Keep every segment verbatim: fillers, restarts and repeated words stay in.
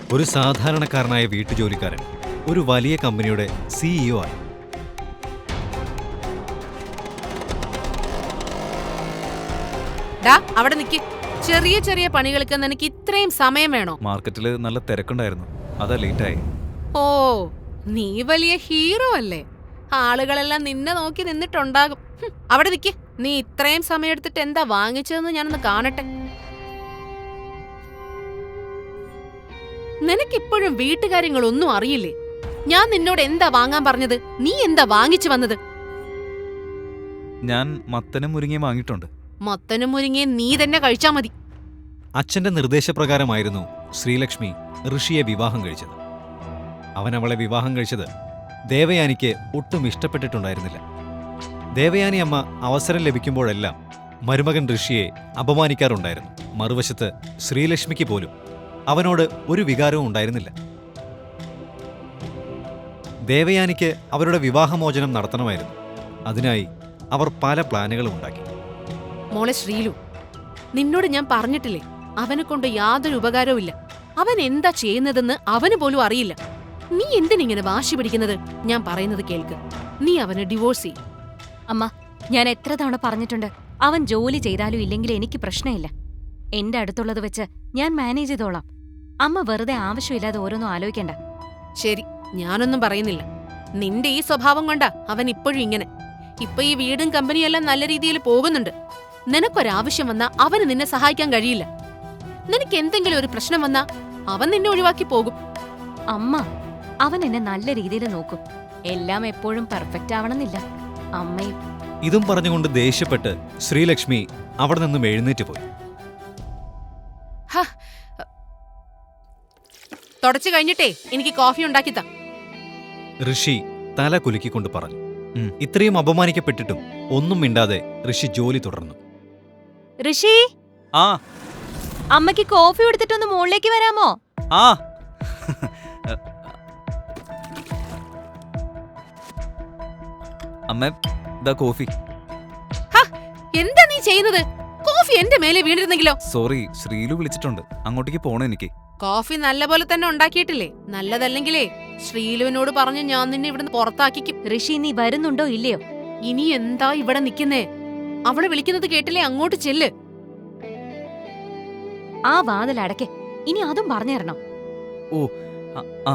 ഒരു സാധാരണക്കാരനായ വീട്ടുജോലിക്കാരൻ ഒരു വലിയ കമ്പനിയുടെ സിഇഒ ആയി. ഡാ അവിടെ നിക്ക്. ചെറിയ ചെറിയ പണികൾക്ക് നിനക്ക് ഇത്രയും സമയം വേണോ? മാർക്കറ്റില് നല്ല തിരക്കുണ്ടായിരുന്നു, അതാ ലേറ്റായി. ഓ, നീ വലിയ ഹീറോ അല്ലേ? ആളുകളെല്ലാം നിന്നെ നോക്കി നിന്നിട്ടുണ്ടാകും. ഹും, അവിടെ നിക്ക്. നീ ഇത്രയും സമയം എടുത്തിട്ട് എന്താ വാങ്ങിച്ചതെന്ന് ഞാനൊന്ന് കാണട്ടെ. നിനക്കിപ്പോഴും വീട്ടുകാര്യങ്ങളൊന്നും അറിയില്ലേ? ഞാൻ നിന്നോട് എന്താ വാങ്ങാൻ പറഞ്ഞത്? നീ എന്താ വാങ്ങിച്ചു വന്നത്? ഞാൻ മത്തനും മുരിങ്ങയും വാങ്ങിയിട്ടുണ്ട്. മത്തനും മുരിങ്ങയും നീ തന്നെ കഴിച്ചാ മതി. അച്ഛന്റെ നിർദ്ദേശപ്രകാരമായിരുന്നു ശ്രീലക്ഷ്മി ഋഷിയെ വിവാഹം കഴിച്ചത്. അവൻ അവളെ വിവാഹം കഴിച്ചത് ദേവയാനിക്ക് ഒട്ടും ഇഷ്ടപ്പെട്ടിട്ടുണ്ടായിരുന്നില്ല. ദേവയാനി അമ്മ അവസരം ലഭിക്കുമ്പോഴെല്ലാം മരുമകൻ ഋഷിയെ അപമാനിക്കാറുണ്ടായിരുന്നു. മറുവശത്ത് ശ്രീലക്ഷ്മിക്ക് പോലും അവനോട് ഒരു വികാരവും ഉണ്ടായിരുന്നില്ല. ദേവയാനിക്ക് അവരുടെ വിവാഹമോചനം നടത്തണമായിരുന്നു. അതിനായി അവർ പല പ്ലാനുകളും ഉണ്ടാക്കി. മോളെ ശ്രീലു, നിന്നോട് ഞാൻ പറഞ്ഞിട്ടില്ലേ, അവനെ കൊണ്ട് യാതൊരു ഉപകാരവും ഇല്ല. അവൻ എന്താ ചെയ്യുന്നതെന്ന് അവന് പോലും അറിയില്ല. നീ എന്തിനിങ്ങനെ വാശി പിടിക്കുന്നത്? ഞാൻ പറയുന്നത് കേൾക്ക്. നീ അവന് ഡിവോഴ്സ് ചെയ്യും. അമ്മ, ഞാൻ എത്ര തവണ പറഞ്ഞിട്ടുണ്ട്, അവൻ ജോലി ചെയ്താലും ഇല്ലെങ്കിലും എനിക്ക് പ്രശ്നമില്ല. എന്റെ അടുത്തുള്ളത് വെച്ച് ഞാൻ മാനേജ് ചെയ്തോളാം. അമ്മ വെറുതെ ആവശ്യമില്ലാതെ ഓരോന്നും ആലോചിക്കണ്ട. ശരി, ഞാനൊന്നും പറയുന്നില്ല. നിന്റെ ഈ സ്വഭാവം കൊണ്ടാ അവൻ ഇപ്പോഴും ഇങ്ങനെ. ഇപ്പൊ ഈ വീടും കമ്പനിയെല്ലാം നല്ല രീതിയിൽ പോകുന്നുണ്ട്. നിനക്കൊരാവശ്യം വന്നാ അവന് നിന്നെ സഹായിക്കാൻ കഴിയില്ല. നിനക്ക് എന്തെങ്കിലും ഒരു പ്രശ്നം വന്നാ അവൻ നിന്നെ ഒഴിവാക്കി പോകും. അമ്മ, അവൻ എന്നെ നല്ല രീതിയിൽ നോക്കും. എല്ലാം എപ്പോഴും പെർഫെക്റ്റ് ആവണമെന്നില്ല. അമ്മയും ഇതും പറഞ്ഞുകൊണ്ട് ദേഷ്യപ്പെട്ട് ശ്രീലക്ഷ്മി അവിടെ നിന്നും എഴുന്നേറ്റ് പോയി. തുടച്ചു കഴിഞ്ഞിട്ടേ എനിക്ക് കോഫി ഉണ്ടാക്കിത്താ. ഋഷി തല കുലുക്കിക്കൊണ്ട് പറഞ്ഞു. ഇത്രയും അപമാനിക്കപ്പെട്ടിട്ടും ഒന്നും മിണ്ടാതെ ഋഷി ജോലി തുടർന്നു. ഋഷി, ആ അമ്മയ്ക്ക് കോഫി എടുത്തിട്ടൊന്ന് മുകളിലേക്ക് വരാമോ? ആ അമ്മ, ദാ കോഫി. എന്താ നീ ചെയ്യുന്നത്? കോഫി എന്റെ മേലെ വീണിരുന്നെങ്കിലോ? സോറി, ശ്രീലു വിളിച്ചിട്ടുണ്ട്, അങ്ങോട്ടേക്ക് പോണം എനിക്ക്. കോഫി നല്ലപോലെ തന്നെ ഉണ്ടാക്കിയിട്ടില്ലേ? നല്ലതല്ലെങ്കിലേ ശ്രീലുവിനോട് പറഞ്ഞു ഞാൻ നിന്നെ ഇവിടുന്ന് പുറത്താക്കിക്കും. ഋഷി, നീ വരുന്നുണ്ടോ ഇല്ലയോ? ഇനി എന്താ ഇവിടെ നിക്കുന്നേ? അവള് വിളിക്കുന്നത് കേട്ടില്ലേ? അങ്ങോട്ട് ചെല്ല്. ആ വാതിൽ അടയ്ക്ക്. ഇനി അതും പറഞ്ഞു തരണം. ഓ, ആ.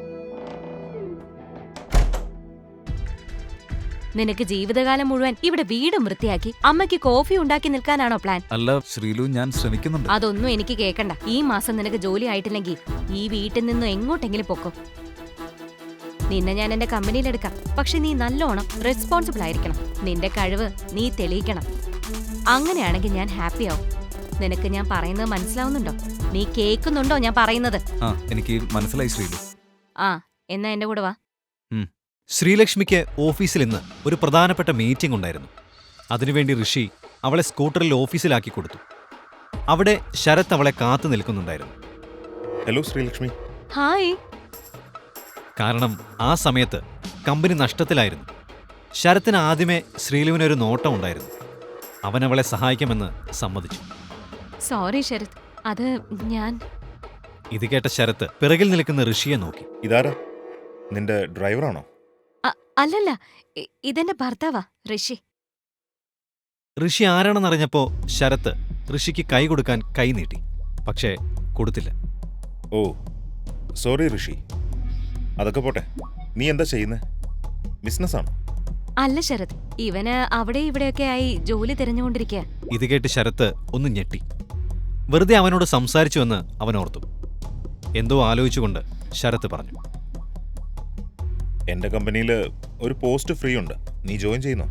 നിനക്ക് ജീവിതകാലം മുഴുവൻ ഇവിടെ വീടും വൃത്തിയാക്കി അമ്മയ്ക്ക് കോഫി ഉണ്ടാക്കി നിൽക്കാനാണോ പ്ലാൻ? അല്ല ശ്രീലു, ഞാൻ ശ്രമിക്കുന്നുണ്ട്. അതൊന്നും എനിക്ക് കേക്കണ്ട. ഈ മാസം നിനക്ക് ജോലി ആയിട്ടില്ലെങ്കിൽ ഈ വീട്ടിൽ നിന്നും എങ്ങോട്ടെങ്കിലും പൊക്കോ. നിന്നെ ഞാൻ എന്റെ കമ്പനിയിലെടുക്കാം. പക്ഷെ നീ നല്ലോണം റെസ്പോൺസിബിൾ ആയിരിക്കണം. നിന്റെ കഴിവ് നീ തെളിയിക്കണം. അങ്ങനെയാണെങ്കിൽ ഞാൻ ഹാപ്പി ആവും. നിനക്ക് ഞാൻ പറയുന്നത് മനസ്സിലാവുന്നുണ്ടോ? നീ കേൾക്കുന്നുണ്ടോ ഞാൻ പറയുന്നത്? ആ, എനിക്ക് മനസ്സിലായി ശ്രീലു. ആ, എന്നാ എന്റെ കൂടെ വാ. ശ്രീലക്ഷ്മിക്ക് ഓഫീസിൽ ഇന്ന് ഒരു പ്രധാനപ്പെട്ട മീറ്റിംഗ് ഉണ്ടായിരുന്നു. അതിനുവേണ്ടി ഋഷി അവളെ സ്കൂട്ടറിൽ ഓഫീസിലാക്കി കൊടുത്തു. അവിടെ ശരത് അവളെ കാത്തു നിൽക്കുന്നുണ്ടായിരുന്നു. ഹലോ ശ്രീലക്ഷ്മി. ഹായ്. കാരണം ആ സമയത്ത് കമ്പനി നഷ്ടത്തിലായിരുന്നു. ശരത്തിന് ആദ്യമേ ശ്രീലുവിനൊരു നോട്ടം ഉണ്ടായിരുന്നു. അവൻ അവളെ സഹായിക്കുമെന്ന് സമ്മതിച്ചു. സോറി ശരത്, അത് ഞാൻ. ഇത് കേട്ട ശരത്ത് പിറകിൽ നിൽക്കുന്ന ഋഷിയെ നോക്കി. ഇതാരാ? നിന്റെ ഡ്രൈവറാണോ? അല്ലല്ല, ഇതെന്റെ ഭർത്താവാ, ഋഷി. ഋഷി ആരാണെന്നറിഞ്ഞപ്പോ ശരത്ത് ഋഷിക്ക് കൈ കൊടുക്കാൻ കൈ നീട്ടി. പക്ഷേ കൊടുത്തില്ല. Oh sorry Rishi. അതൊക്കെ പോട്ടെ, നീ എന്താ ചെയ്യുന്നേ? ബിസിനസ്സാണോ? അല്ല ശരത്, ഇവന് അവിടെ ഇവിടെയൊക്കെ ആയി ജോലി തിരഞ്ഞുകൊണ്ടിരിക്കുക. ഇത് കേട്ട് ശരത്ത് ഒന്ന് ഞെട്ടി. വെറുതെ അവനോട് സംസാരിച്ചുവെന്ന് അവൻ ഓർത്തു. എന്തോ ആലോചിച്ചുകൊണ്ട് ശരത്ത് പറഞ്ഞു, എന്റെ കമ്പനിയിൽ ഒരു പോസ്റ്റ് ഫ്രീ ഉണ്ട്, നീ ജോയിൻ ചെയ്യുന്നോ?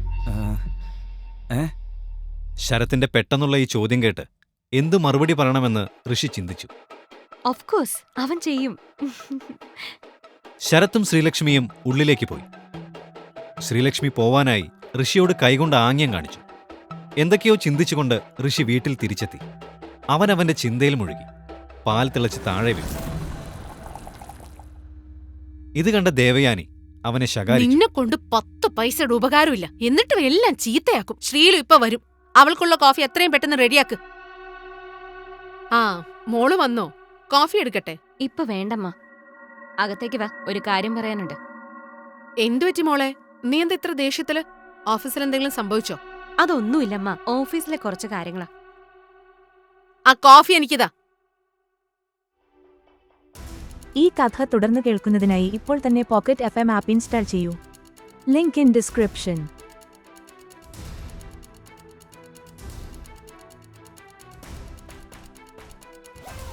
ശരത്തിന്റെ പെട്ടെന്നുള്ള ഈ ചോദ്യം കേട്ട് എന്തു മറുപടി പറയണമെന്ന് ഋഷി ചിന്തിച്ചു. ഓഫ് കോഴ്സ് അവൻ ചെയ്യും. ശരത്തും ശ്രീലക്ഷ്മിയും ഉള്ളിലേക്ക് പോയി. ശ്രീലക്ഷ്മി പോവാനായി ഋഷിയോട് കൈകൊണ്ട് ആംഗ്യം കാണിച്ചു. എന്തൊക്കെയോ ചിന്തിച്ചുകൊണ്ട് ഋഷി വീട്ടിൽ തിരിച്ചെത്തി. അവൻ അവന്റെ ചിന്തയിൽ മുഴുകി. പാൽ തിളച്ച് താഴെ വീണു. ഇത് കണ്ട ദേവയാനി അവനെ ശകാരിച്ചു. നിന്നെ കൊണ്ട് പത്ത് പൈസയുടെ ഉപകാരമില്ല, എന്നിട്ടും എല്ലാം ചീത്തയാക്കും. ശ്രീലു ഇപ്പൊ വരും. അവൾക്കുള്ള കോഫി എത്രയും പെട്ടെന്ന് റെഡിയാക്ക്. ആ, മോള് വന്നോ? കോഫി എടുക്കട്ടെ? ഇപ്പൊ വേണ്ടമ്മ. അകത്തേക്ക് വാ, ഒരു കാര്യം പറയാനുണ്ട്. എന്തുപറ്റി മോളെ? നീ എന്താ ഇത്ര ദേഷ്യത്തില്? ഓഫീസിൽ എന്തെങ്കിലും സംഭവിച്ചോ? അതൊന്നുമില്ലമ്മ, ഓഫീസിലെ കുറച്ച് കാര്യങ്ങളാ. ആ കോഫി എനിക്കിതാ. ഈ കഥ തുടർന്ന് കേൾക്കുന്നതിനായി ഇപ്പോൾ തന്നെ pocket F M app install ചെയ്യൂ. Link in description.